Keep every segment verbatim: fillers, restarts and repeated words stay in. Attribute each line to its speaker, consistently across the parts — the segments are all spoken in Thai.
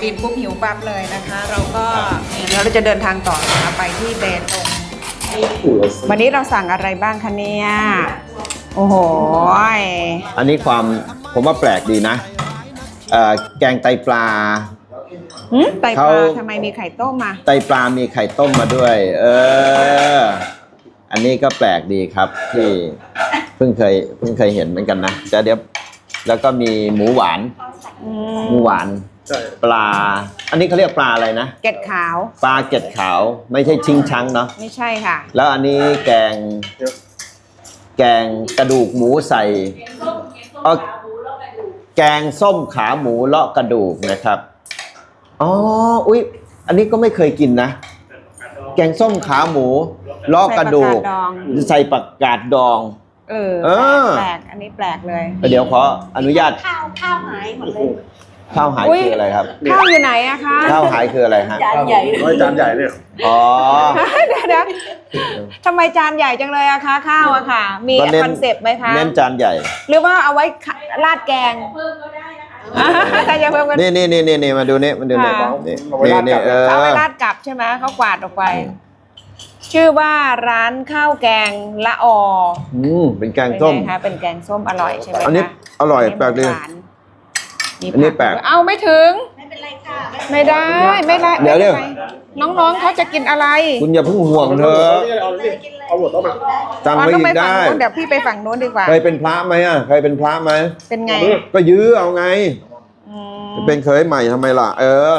Speaker 1: บินปุ๊บหิวปั๊บเลยนะคะ เราก็แล้วเราจะเดินทางต่อนะคะไปที่เบตงวันนี้เราสั่งอะไรบ้างคะเนี่ยโอ้โห
Speaker 2: อันนี้ความผมว่าแปลกดีนะเอ่อแกงไตปลา
Speaker 1: ไตปลาทำไมมีไข่ต้มมา
Speaker 2: ไตปลามีไข่ต้มมาด้วย เอออันนี้ก็แปลกดีครับที่เพิ่งเคยเพิ่งเคยเห็นเหมือนกันนะแต่เดี๋ยวแล้วก็มีหมูหวานหมูหวานปลาอันนี้เขาเรียกปลาอะไรนะ
Speaker 1: เกล็ดขาว
Speaker 2: ปลาเกล็ดขาวไม่ใช่ชิงชังเนาะ
Speaker 1: ไม่ใช่ค่ะ
Speaker 2: แล้วอันนี้แกงแกงกระดูกหมูใส่เออแกงส้มขาหมูเลาะกระดูกนะครับอ๋ออุ๊ยอันนี้ก็ไม่เคยกินนะแกงส้มขาหมูเลาะกระดูกใส่ผักกาดดอง
Speaker 1: เออแปลกอันนี้แปลกเลย
Speaker 2: เดี๋ยวขออนุญาต
Speaker 3: ข้าวข้าวหายหมดเลย
Speaker 2: ข้าวหายคืออะไรครับ
Speaker 1: ข้าวอยู่ไหนอะคะ
Speaker 2: ข้าวหายคืออะไรฮะ
Speaker 3: จานใหญ่
Speaker 4: ไม่จานใหญ่เนี่ย
Speaker 2: อ๋อ
Speaker 1: เดี๋ยวนะทำไมจานใหญ่จังเลยอะคะข้าวอะค่ะมีคอนเซปต์ไหมคะ
Speaker 2: เน้นจานใหญ่
Speaker 1: หรือว่าเอาไว้ราดแกงแต่อย่าเพิ่มกัน
Speaker 2: นี่นี่นี่นี่มาดูนี่มาดูนี่นี่นี่เออ
Speaker 1: เอาไว้ราดกลับใช่ไหมเขากวาดออกไปชื่อว่าร้านข้าวแกงละอ
Speaker 2: อืมเป็นแกงส้ม
Speaker 1: คะเป็นแกงส้มอร่อยใช่ไหม
Speaker 2: อันนี้อร่อยแปลกดีอันนี้แปลก
Speaker 1: เอาไม่ถึง
Speaker 3: ไม่เป็นไรค่ะ
Speaker 1: ไม่ได้ไม่ได้
Speaker 2: เดี๋ยวเดี๋ยว
Speaker 1: น้องๆเขาจะกินอะไร
Speaker 2: คุณอย่าเพิ่งห่วงเธอ
Speaker 4: เอาหมดต้องมา
Speaker 2: สั่งไปอีกได้
Speaker 1: เดี๋ยวพี่ไปฝั่งโน้นดีกว่า
Speaker 2: เคยเป็นพระไหมอ่ะเคยเป็นพระไหม
Speaker 1: เป็นไง
Speaker 2: ก็ยื้อเอาไงเป็นเคยใหม่ทำไมล่ะเออ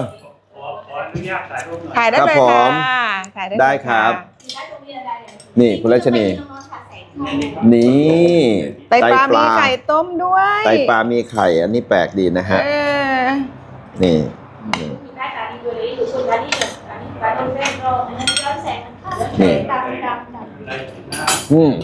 Speaker 1: ถ่ายได้เลยค่ะ
Speaker 2: ถ่ายได้ครับนี่คุณรัชนีนี่
Speaker 1: ไตปลามีไข่ต้มด้วย
Speaker 2: ไตปลามีไข่อันนี้แปลกดีนะฮะนี่นี่อืม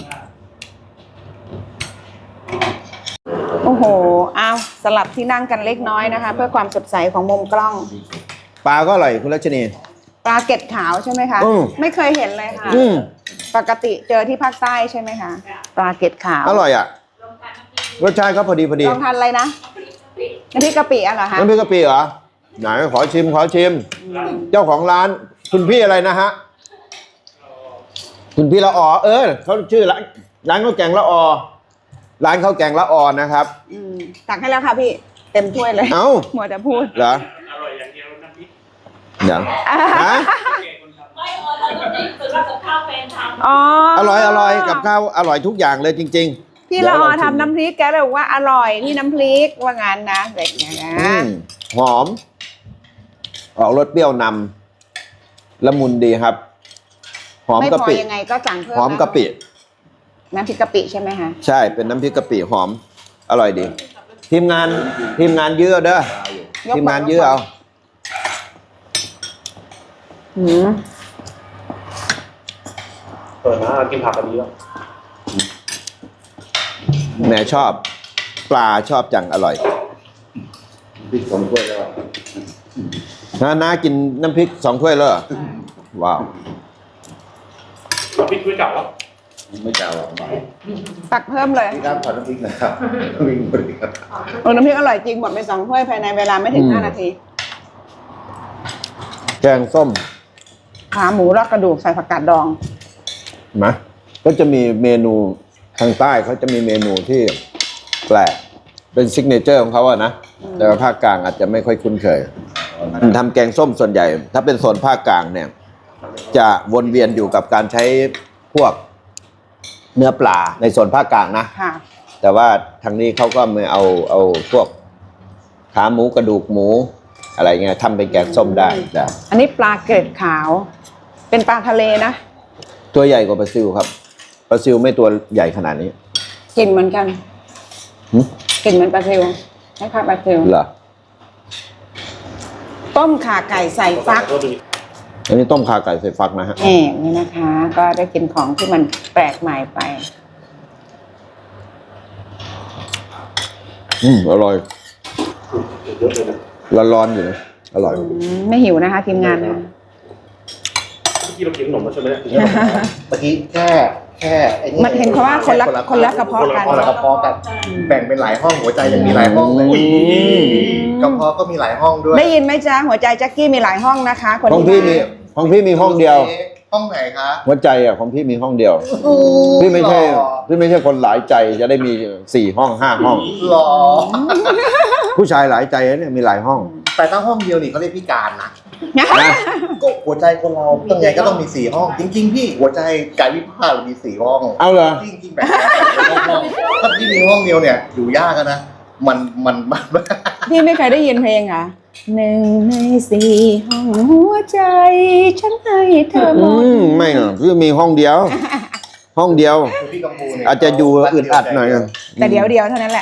Speaker 1: โอ้โหเอาสลับที่นั่งกันเล็กน้อยนะคะเพื่อความสดใสของมุมกล้อง
Speaker 2: ปลาก็อร่อยคุณรัชนี
Speaker 1: ปลาเกล็ดขาวใช่ไหมคะไม่เคยเห็นเลยค่ะปกติเจอที่ภาคใต้ใช่ไหมคะปลาเกล็ดขาว
Speaker 2: อร่อยอ่ะรสชาติก็พอดีพอดี
Speaker 1: ลองทานอะไรนะน้ำพริกกะปิอ่ะเหรอคะ
Speaker 2: น้ำพริกกะปิเหรอไหนขอชิมขอชิมเจ้าของร้านคุณพี่อะไรนะฮะคุณพี่ละออเออเขาชื่อร้านร้านข้าวแกงละออร้านข้าวแกงละออนะครับ
Speaker 1: ตักให้แล้วค่ะพี่เต็มถ้วยเลย
Speaker 2: เอ้า
Speaker 1: หมดจะพูด
Speaker 2: เหรออร่อยอย่างเดียวน้ำพริกเดี๋ยวฮะอร่อยอร่อยกับข้าวอร่อยทุกอย่างเลยจริง
Speaker 1: ๆพี่ละออทำน้ำพริกแกเลยบอกว่าอร่อยที่น้ำพริกว่างั้นนะเด็กเนี่ยนะ
Speaker 2: หอมออกรสเปรี้ยวนำละมุนดีครับหอมกะปิ
Speaker 1: ยังไงก็สั่งเพิ่ม
Speaker 2: หอมกะปิ
Speaker 1: น้ำพริกกะปิใช่ไหมคะ
Speaker 2: ใช่เป็นน้ำพริกกะปิหอมอร่อยดีทีมงานทีมงานเยอะเด้อทีมงานเยอะเอา
Speaker 4: เปิดมากินผักกันดีแล้ว
Speaker 2: แม่ชอบปลาชอบจังอร่อย
Speaker 4: พริกสองถ้วยแล้ว
Speaker 2: น้าน้ากินน้ำพริกสองถ้วยเลยว้าว
Speaker 4: พริกถ้วยเก่าแล้ว
Speaker 2: ไม่เก่าหรอก
Speaker 1: ตักเพิ่มเลย
Speaker 4: นี่ครับขอน้ำพริกนะครับน้ำพริกหมดเลยครับ
Speaker 1: โอ้น้ำพริกอร่อยจริงหมดไปสองถ้วยภายในเวลาไม่ถึงห้านาที
Speaker 2: แกงส้ม
Speaker 1: ขาหมูรอกกระดูกใส่ผักกาดดอง
Speaker 2: นะก็จะมีเมนูทางใต้เขาจะมีเมนูที่แปลกเป็นซิกเนเจอร์ของเขาอะนะแต่ว่าภาคกลางอาจจะไม่ค่อยคุ้นเคยทำแกงส้มส่วนใหญ่ถ้าเป็นโซนภาคกลางเนี่ยจะวนเวียนอยู่กับการใช้พวกเนื้อปลาในโซนภาคกลางนะแต่ว่าทางนี้เขาก็มาเอาเอาพวกขาหมูกระดูกหมูอะไรเงี้ยทำเป็นแกงส้มได้แต่
Speaker 1: อันนี้ปลาเกล็ดขาวเป็นปลาทะเลนะ
Speaker 2: ตัวใหญ่กว่าปลาซิวครับปลาซิวไม่ตัวใหญ่ขนาดนี้
Speaker 1: กินเหมือนกันกินเหมือนปลาซิวใช่ค่ะปลาซิว
Speaker 2: เหรอ
Speaker 1: ต้มข่าไก่ใส่ฟัก
Speaker 2: อันนี้ต้มข่าไก่ใส่ฟักนะฮะ
Speaker 1: แหมนี่นะคะก็ได้กินของที่มันแปลกใหม่ไป
Speaker 2: อืมอร่อยร้อนๆอยู่นะอร่อย
Speaker 1: ไม่หิวนะคะ ทีมงานนะ
Speaker 4: เมื่อกี้เรากินขนมมาใช่ไหมเมื่อกี้แค่
Speaker 5: แค่ไอ้นี่
Speaker 1: มันเห็นเขาว่าคนละคนละกระเพาะกัน
Speaker 5: คนละกระเพาะกันแบ่งเป็นหลายห้องหัวใจยังมีหลายห้องเลยกระเพาะก็มีหลายห้องด้วย
Speaker 1: ได้ยินไหมจ๊ะหัวใจแจ็คกี้มีหลายห้องนะคะคน
Speaker 2: ห้อง
Speaker 1: ที่
Speaker 2: พี่มีห้องพี่มีห้องเดียว
Speaker 5: ห้องไหนคะ
Speaker 2: หัวใจอ่ะของพี่มีห้องเดียว พี่ไม่ใช่พี่ไม่ใช่คนหลายใจจะได้มีสี่ห้องห้าห้อง
Speaker 5: หรอ
Speaker 2: ผู้ชายหลายใจเนี่ยมีหลายห้อง
Speaker 5: แต่ถ้าห้องเดียวนี่เขาเรียกพิการนะ
Speaker 2: นะ
Speaker 5: ก็หัวใจคนเราต้องไงก็ต้องมีสี่ห้อง จริงๆพี่หัวใจกายวิภาคมีสี่ห้อง
Speaker 2: เอาเหรอ
Speaker 5: จริงๆแบบห้องถ้าพี่มีห้องเดียวเนี่ยอยู่ยากนะมันมันมัน
Speaker 1: พี่ไม่เคยได้ยินเพลงเหรอหนึ่งในสี่ห้องหัวใจฉันให้เธอหม
Speaker 2: อื
Speaker 1: ด
Speaker 2: มไม่หรอกพี่มีห้องเดียว ห้องเดียว
Speaker 5: พี่กัมพูเนี่ย
Speaker 2: อาจจะอยู่อึดอัดหน่อย
Speaker 1: แต่เดี๋ยวเดียวเท่านั้นแหละ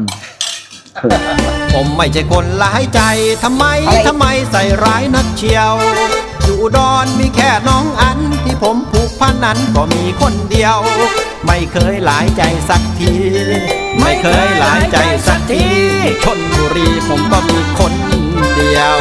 Speaker 6: ผมไม่ใช่คนร้ายใจทำไม
Speaker 1: อะไร
Speaker 6: ทำไมใส่ร้ายนักเชียว อยู่อุดอนมีแค่น้องอันที่ผมผูกพันนั้นก็มีคนเดียว ไม่เคยหลายใจสักที ไม่เคยหลายใจสักทีชลบุรีผมก็มีคนเดียว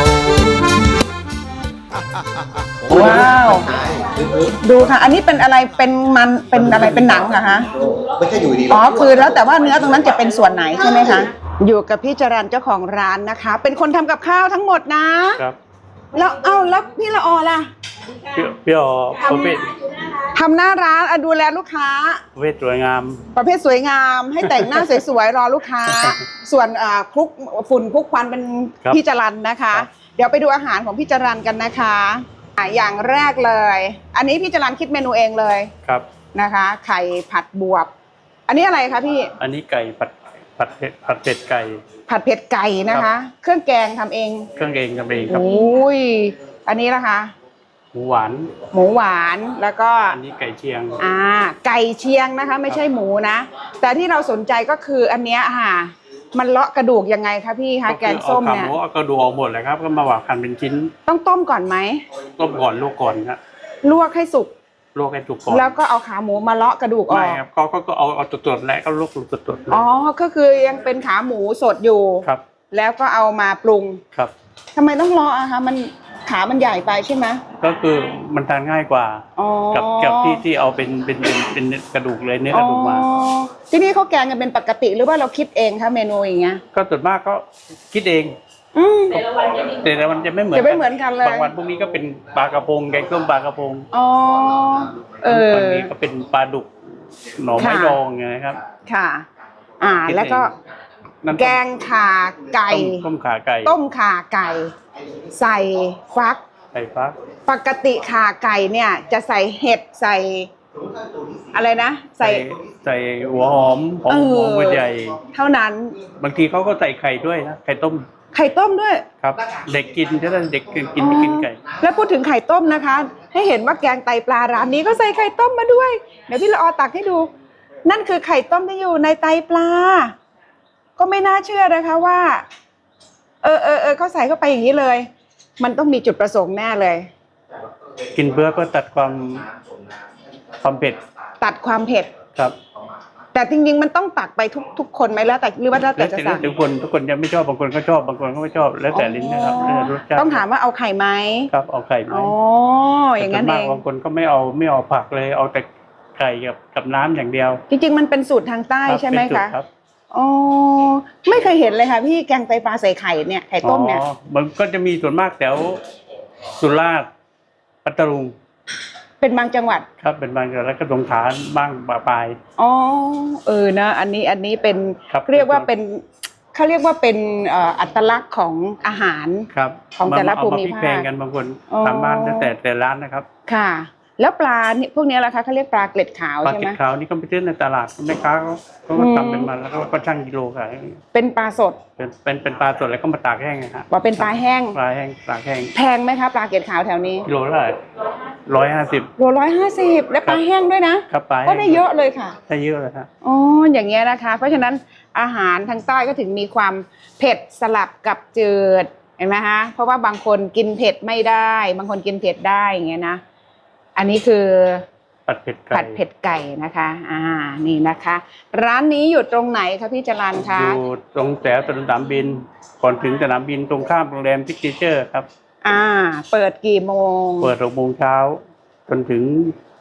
Speaker 1: ว้าว ดูค่ะ อันนี้เป็นอะไรเป็นมันเป็นอะไรเป็นหนังเหรอคะ
Speaker 5: ไม่ใช่อยู่ดี
Speaker 1: อ๋อคือแล้วแต่ว่าเนื้อตรงนั้นจะเป็นส่วนไหนใช่ไหมคะอยู่กับพี่จรัญเจ้าของร้านนะคะ เป็นคนทำกับข้าวทั้งหมดนะครับ แล้วเอ้าแล้วพี่ละออล่ะ
Speaker 4: พี่พี่อ๋อประเภท
Speaker 1: ทำหน้าร้านอ่ะดูแลลูกค้า
Speaker 4: ประเภทสวยงาม
Speaker 1: ประเภทสวยงามให้แต่งหน้าสวยๆรอลูกค้า ส่วนอ่าคลุกฝุ่นคลุกควันเป็น
Speaker 4: ครับ
Speaker 1: พี่จรัญนะคะ
Speaker 4: ครับ
Speaker 1: เดี๋ยวไปดูอาหารของพี่จรัญกันนะคะอ่ะอย่างแรกเลย อันนี้พี่จรัญคิดเมนูเองเลย
Speaker 4: ครับ
Speaker 1: นะคะ ไข่ผัดบวบ อันนี้อะไรคะพี่
Speaker 4: อันนี้ไก่ผัดผัดเผ็ดผัดเผ็ดไก่
Speaker 1: ผัดเผ็ดไก่นะคะ เครื่องแกงทำเอง
Speaker 4: เครื่องเองทำเองครับ
Speaker 1: โอ้ยอันนี้นะคะ
Speaker 4: หมูหวาน
Speaker 1: หมูหวานแล้วก็
Speaker 4: อันนี้ไก่เชียง
Speaker 1: อ่าไก่เชียงนะคะ ไม่ใช่หมูนะ แต่ที่เราสนใจก็คืออันเนี้ยค่ะมันเลาะกระดูกยังไงคะพี่คะแกงส้มเนี่ย
Speaker 4: ก็คือเอาขาหมูเอากระดูกออกหมดเลยครับ ก็มาหวานหั่นเป็นชิ้น
Speaker 1: ต้องต้มก่อนไหม
Speaker 4: ต้มก่อนลวกก่อนครับ
Speaker 1: ลวกให้สุก
Speaker 4: ลวกให้สุกก่อน
Speaker 1: แล้วก็เอาขาหมูมาเลาะกระดูกอ
Speaker 4: ไม่
Speaker 1: อก
Speaker 4: ครับก็ก็ก็เอาเอาสดๆแล้วก็ลวกสดๆเลย
Speaker 1: อ๋อก็คือยังเป็นขาหมูสดอยู่
Speaker 4: ครับ
Speaker 1: แล้วก็เอามาปรุง
Speaker 4: ครับ
Speaker 1: ทำไมต้องเลาะอะคะมันขามันใหญ่ไปใช่ไหม
Speaker 4: ก็คือมันทานง่ายกว่า
Speaker 1: อ๋อ
Speaker 4: กับกับที่ที่เอาเป็นเป็นเป็นเป็นกระดูกเลยเนื้อกระดูกมา
Speaker 1: อ๋อที่นี่เขาแกงกันเป็นปกติหรือว่าเราคิดเองคะเมนูอย่างเงี้ย
Speaker 4: ก็ส่วนมากก็คิดเอง
Speaker 1: อืม
Speaker 4: แต่ละวันจะไม่เหมือน
Speaker 1: จะไม่เหมือนกันเลย
Speaker 4: บางวันพวกนี้ก็เป็นปลากระพงแกงส้มปลากระพง
Speaker 1: อ๋อเออ
Speaker 4: บางนี้ก็เป็นปลาดุกหน่อไม้
Speaker 1: ค่ะ
Speaker 4: ดองไงนะครับ
Speaker 1: ค่ะ อ่า
Speaker 4: คิดเอง
Speaker 1: แล้วก็
Speaker 4: น้ำ
Speaker 1: แกงข่าไก่
Speaker 4: ต้มต้มขาไก่
Speaker 1: ต้มข่าไก่ ใส่ฟัก
Speaker 4: ไก่ฟัก
Speaker 1: ปกติข่าไก่เนี่ยจะใส่เห็ดใส่อะไรนะ ใส่
Speaker 4: ใส่หัวหอมหอม
Speaker 1: เออ
Speaker 4: หอมหัวใหญ่
Speaker 1: เท่านั้น
Speaker 4: บางทีเขาก็ใส่ไข่ด้วยนะไข่ต้ม
Speaker 1: ไข่ต้มด้วย
Speaker 4: ครับ เด็กกินถ้าเด็กกินกินกินไก่
Speaker 1: แล้วพูดถึงไข่ต้มนะคะ ให้เห็นว่าแกงไตปลาร้านนี้ก็ใส่ไข่ต้มมาด้วย เดี๋ยวพี่ละออตักให้ดู นั่นคือไข่ต้มที่อยู่ในไตปลา ก็ไม่น่าเชื่อนะคะว่า เออเออเออเขาใส่เข้าไปอย่างนี้เลย มันต้องมีจุดประสงค์แน่เลย
Speaker 4: กินเพื่อก็ตัดความความเผ็ด
Speaker 1: ตัดความเผ็ด
Speaker 4: ครับ
Speaker 1: แต่จริงๆมันต้องตักไปทุกทุกคนไหมแล้วแต่หรือว่าแล้วแต่
Speaker 4: แล้ว
Speaker 1: จะ
Speaker 4: แต่
Speaker 1: สั่ง
Speaker 4: ทุกคนทุกคนจะไม่ชอบบางคนก็ชอบบางคนก็ไม่ชอบแล้วแต่ลิ้นนะครับแล้วแต่รสชาติ
Speaker 1: ต้องถามว่าเอาไข่ไหม
Speaker 4: ครับเอาไข่ไหม
Speaker 1: อ๋ออย่างนั้น
Speaker 4: แต่
Speaker 1: เอ
Speaker 4: ส่วมก
Speaker 1: ง
Speaker 4: บางคนก็ไม่เอาไม่เอาผักเลยเอาแต่ไก่กับกับน้ำอย่างเดียว
Speaker 1: จริงๆมันเป็นสูตรทางใต้
Speaker 4: รับ
Speaker 1: ใช่ไหม
Speaker 4: เป็นสูต
Speaker 1: คะ
Speaker 4: รรับ
Speaker 1: อ๋อไม่เคยเห็นเลยค่ะพี่แกงไตปลาใส่ไข่เนี่ยไข่ต้มเนี่ย
Speaker 4: อ๋อมันก็จะมีส่วนมากแถวสุราษฎร์ปัตตานี
Speaker 1: เป็นบางจังหวัด
Speaker 4: ครับเป็นบางจังหวัดแล้วก็สงขลาบ้างปะปลาย
Speaker 1: อ๋อเออนะอันนี้อันนี้เป็น
Speaker 4: ครับ
Speaker 1: เรียกว่าเป็นเขาเรียกว่าเป็นเอ่ออัตลักษณ์ของอาหาร
Speaker 4: ครับ
Speaker 1: ของแต่ละ
Speaker 4: เอ
Speaker 1: ภูมิ
Speaker 4: พลิก
Speaker 1: ภาค
Speaker 4: แพงกันบางคน
Speaker 1: อ๋อ
Speaker 4: ตามบ้านแล้วแต่แต่ร้านนะครับ
Speaker 1: ค่ะ แล้วปลาเนี่ยพวกนี้ล่ะคะเขาเรียกปลาเกล็ดขาว
Speaker 4: ปลา
Speaker 1: ใช่
Speaker 4: เก็
Speaker 1: ไหม
Speaker 4: ดขาวนี่ก็ไปซื้อในตลาดแม่ค้าเขาเขาก็
Speaker 1: อืม
Speaker 4: ทำเป็นมันแล้วก็ชั่งกิโลขาย
Speaker 1: เป็นปลาสด
Speaker 4: เป็นเป็นเป็นปลาสดแล้วก็มาตากแห้งนะฮะ
Speaker 1: ว่าเป็นปลาแห้ง
Speaker 4: ปลาแห้งตากแห้ง
Speaker 1: แพงไหมคะปลาเกล็ดขาวแถวนี้
Speaker 4: กิโลละเท่าไหร่ร้อยห้าสิบ
Speaker 1: โลร้อยห้าสิบและปลาแห้งด้วยนะครับ
Speaker 4: ปลาแห้ง
Speaker 1: ก็ได้เยอะเลยค่ะ
Speaker 4: ได้เยอะเลยฮะ
Speaker 1: อ๋ออย่างเงี้ยนะคะ เพราะฉะนั้นอาหารทางใต้ก็ถึงมีความเผ็ดสลับกับจืดเห็นไหมคะเพราะว่าบางคนกินเผ็ดไม่ได้ บางคนกินเผ็ดได้อย่างเงี้ยนะอันนี้คือ
Speaker 4: ผัดเผ็ดไก่
Speaker 1: ผัดเผ็ดไก่นะคะอ่านี่นะคะ ร้านนี้อยู่ตรงไหนคะพี่จรัญคะ
Speaker 4: อยู่ตรงแถวสนามบิน ก่อนถึงสนามบินตรงข้ามโรงแรมซิกเนเจอร์ครับ
Speaker 1: อ่าเปิดกี่โมง
Speaker 4: เปิดหกโมงเช้าจนถึง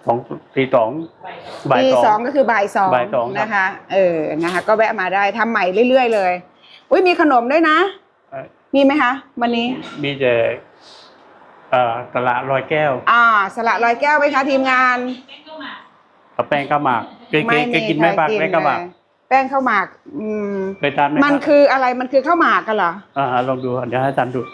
Speaker 4: สองตีสองบ่าย
Speaker 1: ตี
Speaker 4: ส
Speaker 1: ส
Speaker 4: อ
Speaker 1: อง งก็คือบ่ายสอง
Speaker 4: บ่ายสองครับ
Speaker 1: นะคะ เออนะคะ ก็แวะมาได้ทำใหม่เรื่อยๆเลยอุ้ยมีขนมด้วยนะ
Speaker 4: เอ่อ
Speaker 1: มีไหมคะวันนี้
Speaker 4: มีแต่เอ่อตลาดลอยแก้ว
Speaker 1: อ่า สละลอยแก้วไหมคะทีมงาน
Speaker 4: กับแป้งข้าวหมากเคยเคยเคยกินไหม
Speaker 1: ใคร
Speaker 4: ปากแป้งข้าวหมาก
Speaker 1: เลยแป้งข้าวหมาก อืม
Speaker 4: เคยทานไหม
Speaker 1: มัน
Speaker 4: รับ
Speaker 1: คืออะไรมันคือข้าวหมากกันเหรอ
Speaker 4: อ่าลองดูเดี๋ยวให้ทานดู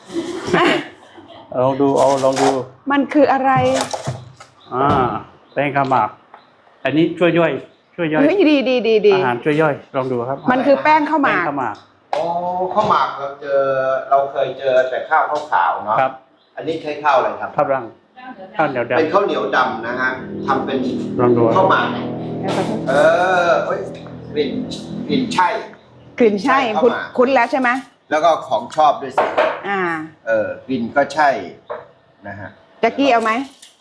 Speaker 4: ลองดูเอาลองดู
Speaker 1: มันคืออะไร
Speaker 4: อ่าแป้งข้าวหมาก อันนี้ช่วยย่อย ช่วยย่อย
Speaker 1: เฮ้ยดีดีดีดี
Speaker 4: อาหารช่วยย่อยลองดูครับ
Speaker 1: มันคือแป้งข้าวห
Speaker 4: แป้ง
Speaker 1: มาก
Speaker 4: ข้าวหมาก
Speaker 2: อ๋อข้าวหมากเราเจอเราเคยเจอแต่ข้าวข้าวขาวเนาะ
Speaker 4: ครับ
Speaker 2: อันนี้ใช้ข้าวอะไรครับ
Speaker 4: ข้าวรังข้าวเหนียวด
Speaker 2: เป็นข้าวเหนียวดำนะฮะทำเป็น
Speaker 4: ลองดู
Speaker 2: ข้าวหมากเออเอ้ยกลิ่นกลิ่นใช่
Speaker 1: กลิ่นใช่
Speaker 2: ใช่
Speaker 1: คุ้น
Speaker 2: ข้าวหมาก
Speaker 1: คุ้นแล้วใช่ไหม
Speaker 2: แล้วก็ของชอบด้วยสิ
Speaker 1: อ่า
Speaker 2: เออกลิ่นก็ใช่นะฮะ
Speaker 1: แจ็กกี้เอาไหม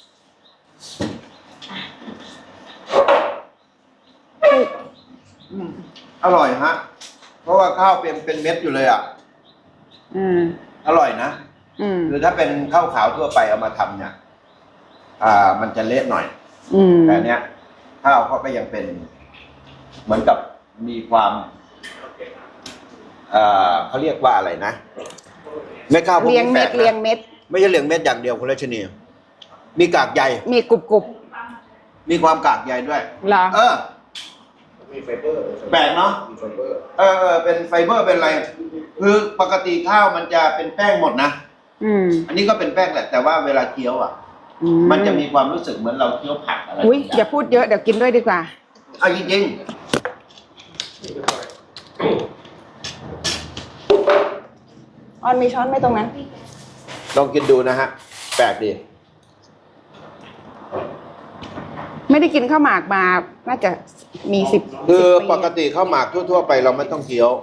Speaker 2: อร่อยฮะ เพราะว่าข้าวเป็นเป็นเม็ดอยู่เลยอ่ะ
Speaker 1: อืม
Speaker 2: อร่อยนะ
Speaker 1: อืม
Speaker 2: คือถ้าเป็นข้าวขาวทั่วไปเอามาทำเนี่ย อ่า มันจะเละหน่อย
Speaker 1: อืม
Speaker 2: แต่เนี้ยข้าวเขาก็ยังเป็น เหมือนกับมีความเอ่อเขาเรียกว่าอะไรนะเม็ดข้าวพวก
Speaker 1: เรียง
Speaker 2: นี้
Speaker 1: เม็
Speaker 2: แปล
Speaker 1: ด
Speaker 2: กนะ
Speaker 1: เรียงเม็ด
Speaker 2: ไม่ใช่เรียงเม็ดอย่างเดียวคุณรัชนีมีกากใย
Speaker 1: มีกรุบกรุบ
Speaker 2: มีความกากใยด้วย
Speaker 1: เหรอ
Speaker 2: เออ
Speaker 5: มีไฟเบอร์
Speaker 2: แปลกเนาะ
Speaker 5: มีไฟเบอร์
Speaker 2: เออเออเป็นไฟเบอร์เป็นอะไร คือปกติข้าวมันจะเป็นแป้งหมดนะ
Speaker 1: อืม
Speaker 2: อันนี้ก็เป็นแป้งแหละ แต่ว่าเวลาเคี้ยวอ่ะ
Speaker 1: อื
Speaker 2: มันจะมีความรู้สึกเหมือนเราเคี้ยวผักอะไร
Speaker 1: อุ้ยอย่าพูดเยอะเดี๋ยวกินด้วยดีกว่า
Speaker 2: เอาจริง
Speaker 1: ออนมีช้อนไหมตรงนั้น
Speaker 2: ๆลองกินดูนะฮะ แปลกดี
Speaker 1: ไม่ได้กินข้าวหมากมา น่าจะมีสิบ
Speaker 2: คือ
Speaker 1: สิบปี
Speaker 2: ปกติข้าวหมากทั่วๆไปเราไม่ต้องเคี้ยว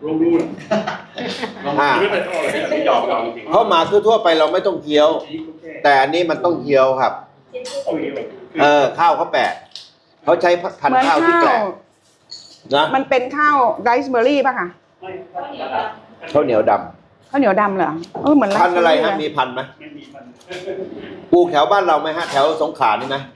Speaker 2: อ่าข้าวหมากทั่วๆไปเราไม่ต้องเคี้ยว แต่อันนี้มันต้องเคี้ยวครับ เออ ข้าวเขาแปลกเขาใช้พัน
Speaker 1: เหมือน
Speaker 2: ธุ์ข้าวที่
Speaker 1: ข้า
Speaker 2: แปล
Speaker 1: ว
Speaker 2: กนะ
Speaker 1: มันเป็นข้าวไรซ์เบอร์รี่ป่ะคะ
Speaker 2: ข้าวเหนียวด
Speaker 1: ข้าวเหนียวดำเหรอเออเหมือน
Speaker 2: ำ
Speaker 1: ไร
Speaker 2: พัน
Speaker 1: ซ์
Speaker 2: ธุ์
Speaker 1: เบอ
Speaker 2: อะไร
Speaker 1: ร์รี่
Speaker 2: ฮะ
Speaker 1: เลย
Speaker 2: มีพันธุ์ไหมปลูกแถวบ้านเราไหมฮะ แถวสงขลานี่ไหม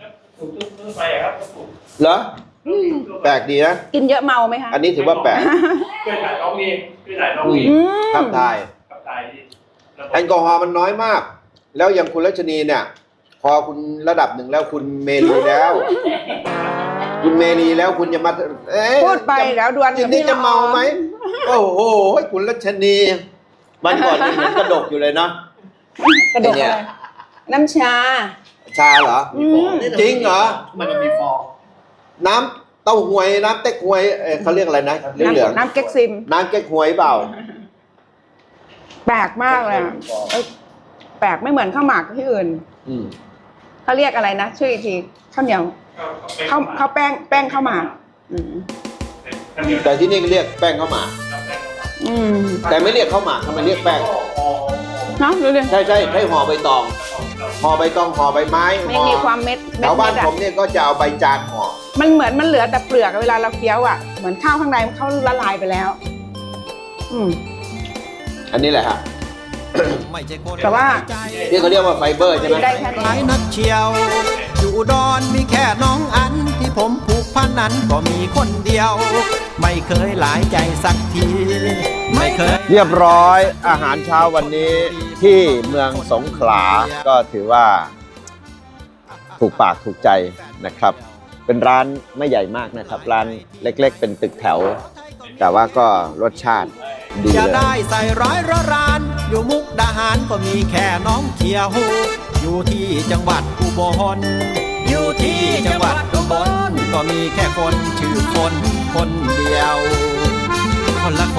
Speaker 2: เหรอแปลกดีนะ
Speaker 1: กินเยอะเมาไหมคะ
Speaker 2: อันนี้ถือว่าแปลก
Speaker 4: ช่วยถ่ายน้องนี่ช่วยถ่ายน้องนี่
Speaker 1: อืม
Speaker 2: ขับถ่าย
Speaker 4: กับถ่ายนี่
Speaker 2: แอลกอฮอล์มันน้อยมาก แล้วอย่างคุณรัชนีเนี่ย พอคุณระดับหนึ่งแล้วคุณเมลีแล้ว คุณเมลีแล้วคุณจะมาเอ๊ะ
Speaker 1: พูดไปแล้วดวน
Speaker 2: ทีนี้จะเมาไหมโอ้โหคุณรัชนีมันก่อนยังเหมือนกระดกอยู่เลยเนาะ
Speaker 1: กระดก
Speaker 2: ไอ้เนี่
Speaker 1: เลย ยน้ำชา
Speaker 2: ชาเหรอ
Speaker 1: อืม
Speaker 2: จริงเหรอ
Speaker 5: มันจะมีฟอง
Speaker 2: น้ำเต้าหวยน้ำเต๊กหวยเอ่อเขาเรียกอะไรนะเหลือง
Speaker 1: น้ำน้ำเก๊กซิม
Speaker 2: ๆน้ำเก๊กหวยเปล่า
Speaker 1: แปลกมากเลยอะเอ้ยแปลกไม่เหมือนข้าวหมากที่อื่น
Speaker 2: อืม
Speaker 1: เขาเรียกอะไรนะชื่ออีกทีข้าวเหนียวข้าวข้าวแป้งแป้งข้าวหมากอืม
Speaker 2: แต่ที่นี่เรียกแป้งข้าวหมาก
Speaker 1: อืม
Speaker 2: แต่ไม่เรียกข้าวหมากทำไมเรียกแป้ง
Speaker 1: เนาะดูดิ
Speaker 2: ใช่ใช่ใช้ห่อใบตองห่อใบตองห่อใบไม้
Speaker 1: ไม่
Speaker 2: ห่อ
Speaker 1: มีความเม็ด
Speaker 2: แถ
Speaker 1: เม็ด
Speaker 2: วบ้าน
Speaker 1: เม็ดอะ
Speaker 2: ผมเนี่ยก็จะเอาใบจานห่อ
Speaker 1: มันเหมือนมันเหลือแต่เปลือกอะเวลาเราเคี้ยวอ่ะเหมือนข้าวข้างในมันเข้าละลายไปแล้ว อืม
Speaker 2: อันนี้แหละฮะ
Speaker 6: ไม่ใช่คน
Speaker 1: แต่ว่า
Speaker 2: ที่เขาเรียกว่าไฟเบอร์ใช่ไหม
Speaker 1: ได้แค่
Speaker 6: หลาย
Speaker 1: นี้
Speaker 6: นักเชียว อยู่อุดอนมีแค่น้องอันที่ผมผูกพันนั้นก็มีคนเดียว ไม่เคยหลายใจสักที ไม่เคย
Speaker 2: เรียบร้อยอาหารเช้าวันนี้ที่เมืองสงขลาก็ถือว่า ถูกปากถูกใจนะครับ เป็นร้านไม่ใหญ่มากนะครับ ร้านเล็กๆ เป็นตึกแถว แต่ว่าก็รสชาติดี
Speaker 6: จะ
Speaker 2: เลย
Speaker 6: ได้ใส่ร้อยระราน อยู่มุกดาหารก็มีแค่น้องเขียว อยู่ที่จังหวัดอุบล อยู่ที่จังหวัดอุบลก็มีแค่คนชื่อคนคนเดียว คนละคน